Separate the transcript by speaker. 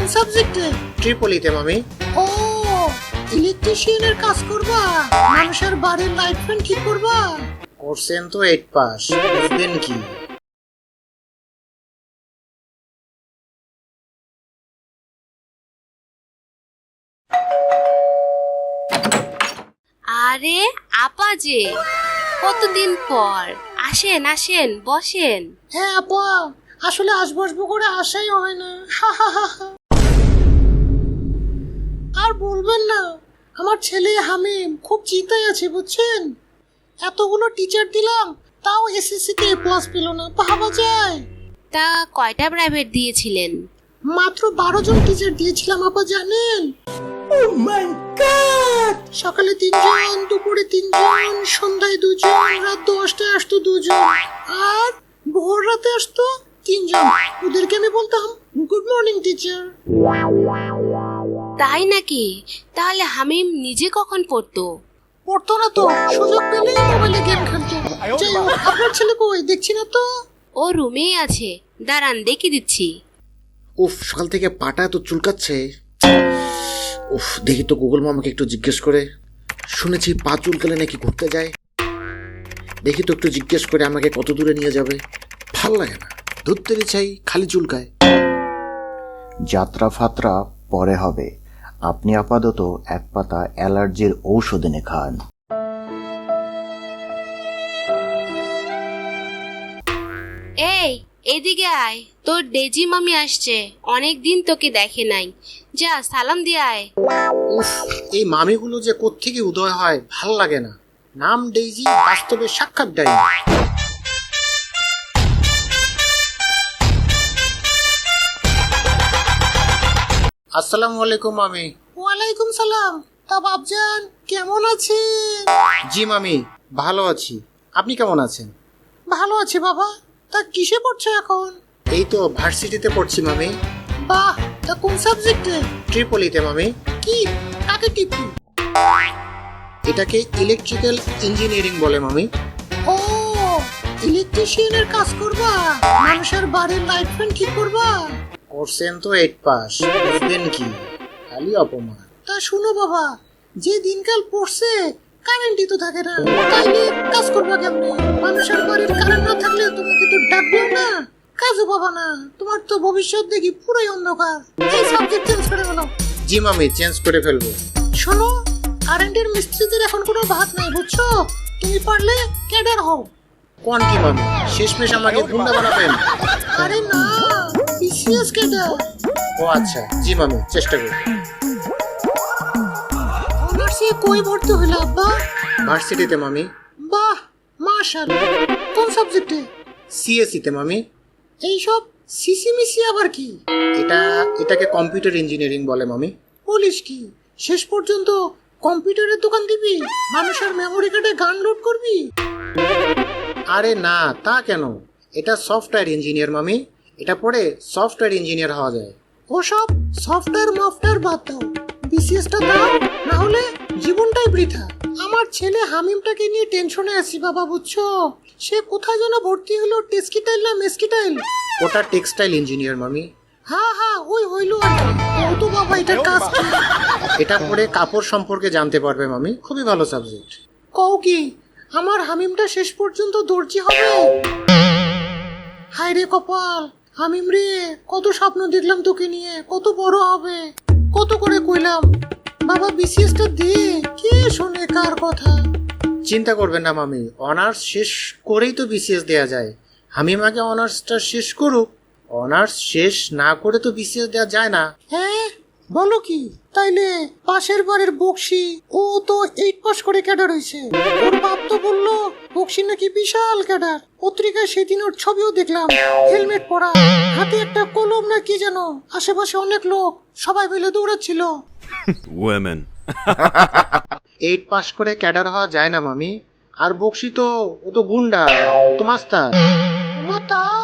Speaker 1: সাবজেক্টে?
Speaker 2: ট্রিপলিতে মামি।
Speaker 1: ও, ইলেকট্রিশিয়ানের কাজ করবা? মানুষের বাড়ির লাইট ফ্যান ঠিক করবা?
Speaker 2: করছেন তো 8 পাস, বুঝবেন কি?
Speaker 3: আরে আপা যে, কতদিন পর। আসেন আসেন, বসেন।
Speaker 1: হ্যাঁ আপা, আসলে আসবো করে আসাই হয় না। আর বলবেন না, আমার ছেলে হামিম খুব চিন্তায় আছে বুঝছেন। এতগুলো টিচার দিলাম, তাও এসএসসি তে প্লাস পেল না, ভাবা যায়।
Speaker 3: তা কয়টা প্রাইভেট দিয়েছিলেন?
Speaker 1: মাত্র 12 জন টিচার দিয়েছিলাম আপা, জানেন? Oh my god! সকালে 3 জন, দুপুরে 3 জন, সন্ধ্যায় 2 জন, রাত 10টায় আসতো 2 জন, আর ভোর রাতে আসতো 3 জন। ওদেরকে আমি বলতাম গুড মর্নিং টিচার।
Speaker 3: তাই নাকি? তাহলে হামিম নিজে কখন পড়তো?
Speaker 1: পড়তো না তো, সুযোগ পেলেই মোবাইলে গেম খেলতো। যাই হোক, আপনার ছেলে কই দেখছি না তো?
Speaker 3: ও রুমেই আছে, দাঁড়ান দেখে দিচ্ছি।
Speaker 2: উফ, সকাল থেকে পাটা তো চুলকাচ্ছে। উফ, দেখি তো গুগল মামাকে একটু জিজ্ঞেস করে। শুনেছি পা চুলকালে নাকি ঘুরতে যায়। দেখি তো একটু জিজ্ঞেস করে আমাকে কত দূরে নিয়ে যাবে। ভাল লাগে না, ধরতেরই চাই, খালি চুলকায়।
Speaker 4: যাত্রা ফাত্রা পরে হবে, আপনি আপাতত এক পাতা অ্যালার্জির ঔষধ এনে খান।
Speaker 3: এই এদিকে আয়, তোর ডেজি মামি আসছে, অনেক দিন তোকে দেখে নাই। যা সালাম দিয়ে আয়।
Speaker 2: উফ, এই মামিগুলো যে কোত্থেকে উদয় হয় ভাল লাগে না। নাম ডেইজি, বাস্তবে সাক্ষাৎ ডাইনি। আসসালামু আলাইকুম মামি।
Speaker 1: ওয়ালাইকুম সালাম। তা বাপজান কেমন আছেন?
Speaker 2: জি মামি, ভালো আছি। আপনি কেমন আছেন?
Speaker 1: ভালো আছি বাবা। তা কিসে পড়ছো এখন?
Speaker 2: এই তো ভার্সিটিতে পড়ছি মামি।
Speaker 1: বাহ, তা কোন সাবজেক্টে?
Speaker 2: ট্রিপলিতে মামি।
Speaker 1: কি, কাকে টিপি?
Speaker 2: এটাকে ইলেকট্রিক্যাল ইঞ্জিনিয়ারিং বলে মামি।
Speaker 1: ও, ইলেকট্রিশিয়ানের কাজ করবা? মানুষের বাড়ির লাইট ফ্যান ঠিক করবা?
Speaker 2: করছেন তো 8 পাস, বুঝবেন কি? খালি অপমান।
Speaker 1: তা শুনো বাবা, যে দিনকাল পড়ছে কারেন্টই তো থাকে না, তাইলে কাজ করবা কেমনে? মানুষের বাড়ির কারেন্ট না থাকলে তোমাকে তো ডাকবেও না, কাজও পাবা না। তোমার তো ভবিষ্যৎ দেখি পুরোই অন্ধকার। এই সাবজেক্ট চেঞ্জ করে বলো।
Speaker 2: জি মামি, চেঞ্জ করে ফেলবো।
Speaker 1: শোনো, কারেন্টের মিস্ত্রিদের এখন কোনো ভাত নাই বুঝছো। তুমি পারলে ক্যাডার হও।
Speaker 2: কোন কি মামি, শেষমেশ আমাকে গুন্ডা বানাবেন?
Speaker 1: আরে না, বিসিএস ক্যাডার।
Speaker 2: ও আচ্ছা, জি মামি, চেষ্টা করব।
Speaker 1: অনার্সে কই ভর্তি হইলো আব্বা?
Speaker 2: ভার্সিটিতে মামি।
Speaker 1: বাহ, মাশাআল্লাহ। কোন সাবজেক্টে?
Speaker 2: সিএসসিতে মামি।
Speaker 1: এইসব সিসিমিসি আবার কি?
Speaker 2: এটাকে কম্পিউটার ইঞ্জিনিয়ারিং বলে মামি।
Speaker 1: বলিস কি, শেষ পর্যন্ত কম্পিউটারের দোকান দিবি? মানুষের মেমোরি কার্ডে গান লোড করবি?
Speaker 2: আরে না, তা কেন? এটা সফটওয়্যার ইঞ্জিনিয়ার মামি। এটা পড়ে সফটওয়্যার ইঞ্জিনিয়ার হওয়া যায়।
Speaker 1: ওসব সফটওয়্যার মফটওয়্যার বাদ দাও, বিসিএসটা দাও, না হলে জীবনটাই বৃথা। আমার ছেলে হামিমটাকে নিয়ে টেনশনে আছি বাবা বুঝছো। সে কোথায় যেন ভর্তি হলো, টেস্কিটাইল না মেসকিটাইল?
Speaker 2: ওটা টেক্সটাইল ইঞ্জিনিয়ার মামি।
Speaker 1: হ্যাঁ হ্যাঁ, ওই হইলো আর কি। ও তো বাবা, এটার কাজ কি?
Speaker 2: এটা পড়ে কাপড় সম্পর্কে জানতে পারবে মামি, খুবই ভালো সাবজেক্ট।
Speaker 1: কও কি, আমার হামিমটা শেষ পর্যন্ত দর্জি হবে? হায় রে কপাল, হামিম রে, কত স্বপ্ন দেখলাম তোকে নিয়ে, কত বড় হবে, কত করে কইলাম বাবা বিসিএসটা দে, কে শোনে কার কথা?
Speaker 2: চিন্তা করবেন না মামি, অনার্স শেষ করেই তো বিসিএস দেয়া যায়। হামিম আগে অনার্সটা শেষ করুক। অনার্স শেষ না করে তো বিসিএস দেওয়া যায় না।
Speaker 1: হ্যাঁ বলো কি? তাইলে পাশের বাড়ির বক্সি, ও তো 8 পাস করে ক্যাডার হয়েছে। ওর বাপ তো বললো বক্সি নাকি বিশাল ক্যাডার। পত্রিকায় সেদিন ওর ছবিও দেখলাম, হেলমেট পরা, হাতে একটা কলম না কি যেন। আশেপাশে অনেক লোক, সবাই মিলে দৌড়াচ্ছিল।
Speaker 5: Women.
Speaker 2: 8 পাস করে ক্যাডার হওয়া যায় না মামি। আর বক্সি তো, ও তো গুন্ডা, তো মাস্টার।
Speaker 1: ও তাই?